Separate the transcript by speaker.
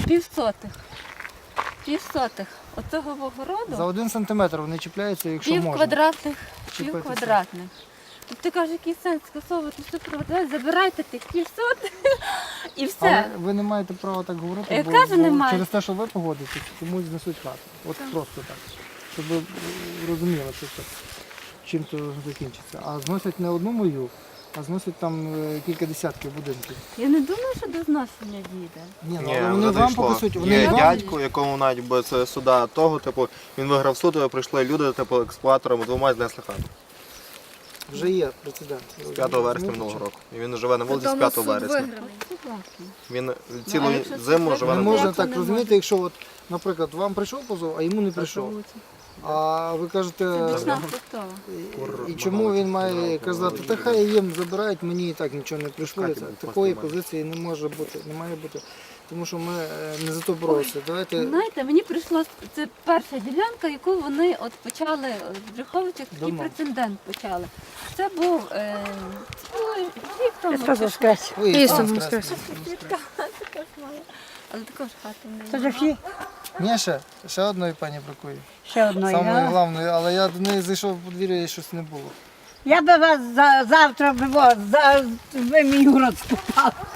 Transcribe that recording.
Speaker 1: півсотих. Оцього огороду.
Speaker 2: За 1 сантиметр вони чіпляються, якщо
Speaker 1: Пів
Speaker 2: можна.
Speaker 1: квадратних.
Speaker 2: Чіпайтеся.
Speaker 1: Тобто ти кажеш, який сенс скасовувати всю приватизацію, забирайте тих півсотих і все.
Speaker 2: Але ви не маєте права так говорити,
Speaker 1: Я
Speaker 2: бо,
Speaker 1: кажу, не маю.
Speaker 2: через те, що ви погодитесь, комусь знесуть хату. От просто так. Щоб ви розуміли, що це, чим то закінчиться. А зносять не одну мою, а зносять там кілька десятків будинків.
Speaker 1: Я не думаю, що до зношення дійде.
Speaker 2: Ні, ну,
Speaker 3: Ні,
Speaker 2: але вони
Speaker 3: вже
Speaker 2: вам
Speaker 3: дійшло.
Speaker 2: покусуть, вони
Speaker 3: Є
Speaker 2: вам...
Speaker 3: дядько, якому навіть би це суда того, типу, він виграв суд, прийшли люди, типу, експлуаторами, двома знесли хату.
Speaker 2: Вже є прецедент.
Speaker 3: З 5 вересня минулого року. І він живе на вулиці з 5 вересня. Він цілу
Speaker 1: якщо це
Speaker 3: зиму
Speaker 1: так,
Speaker 3: живе
Speaker 2: Не
Speaker 3: на
Speaker 1: можна
Speaker 2: можна
Speaker 3: вулиці.
Speaker 2: так
Speaker 1: не
Speaker 2: розуміти,
Speaker 1: можна.
Speaker 2: якщо, от, наприклад, вам прийшов позов, а йому не прийшов. А ви кажете,
Speaker 1: Це бічна структура.
Speaker 2: і чому він має казати, та хай їм забирають, мені і так нічого не прийшло.
Speaker 3: Хаті
Speaker 2: Це-
Speaker 3: будуть
Speaker 2: Такої
Speaker 3: просто
Speaker 2: позиції не може бути, не має бути. Тому що ми не за то боролися. Давайте
Speaker 1: Знаєте, мені прийшло, це перша ділянка, яку вони от почали в Брюховичах, такий
Speaker 2: Давно.
Speaker 1: прецедент почали. Це був рік тому.
Speaker 4: Христос воскрес!
Speaker 2: Ой,
Speaker 4: Ісус
Speaker 2: Ісус
Speaker 4: воскрес!
Speaker 1: Свідка також має. Але також хати не
Speaker 4: Це ж всі
Speaker 2: Ні, ще одної пані бракує.
Speaker 4: ще одної.
Speaker 2: Самої
Speaker 4: а?
Speaker 2: головної, але я до неї зайшов в подвір'я і щось не було.
Speaker 4: Я би вас завтра ви мій город спитав.